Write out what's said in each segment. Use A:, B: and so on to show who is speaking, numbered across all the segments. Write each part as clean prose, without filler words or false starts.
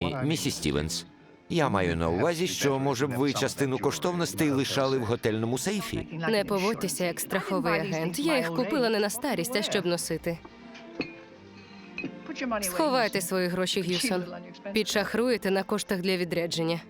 A: Ні, місіс Стівенс. Я маю на увазі, що, може б, ви частину коштовностей лишали в готельному сейфі?
B: Не поводьтеся як страховий агент. Я їх купила не на старість, а щоб носити. Сховайте свої гроші, Г'юсон. Підшахруєте на коштах для відрядження.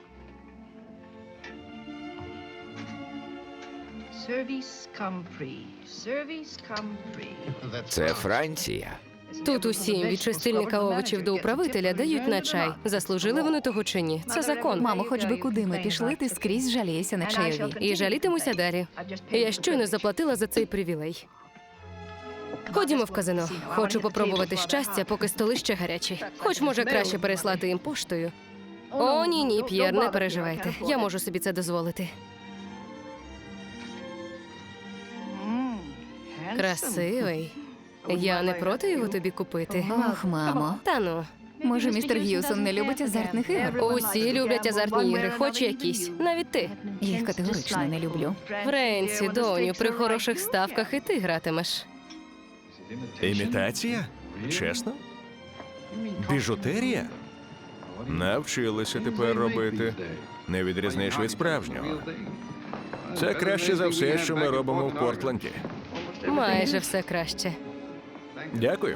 A: Це Франція.
B: Тут усім, від чистильника овочів до управителя, дають на чай. Заслужили вони того чи ні? Це закон.
C: Мамо, хоч би куди ми пішли, ти скрізь жалієшся на чайові.
B: І жалітимуся далі. Я щойно заплатила за цей привілей. Ходімо в казино. Хочу попробувати щастя, поки столи ще гарячі. Хоч, може, краще переслати їм поштою. О, ні, П'єр, не переживайте. Я можу собі це дозволити. Красивий. Я не проти його тобі купити.
C: Ох, мамо.
B: Та ну.
C: Може, містер Г'юсон не любить азартних ігор?
B: Усі люблять азартні ігри, хоч якісь. Навіть ти.
C: Я їх категорично не люблю.
B: Френсі, доню, при хороших ставках і ти гратимеш.
D: Імітація? Чесно? Біжутерія? Навчилися тепер робити. Не відрізниш від справжнього. Це краще за все, що ми робимо в Портленді.
B: Майже все краще.
D: Дякую.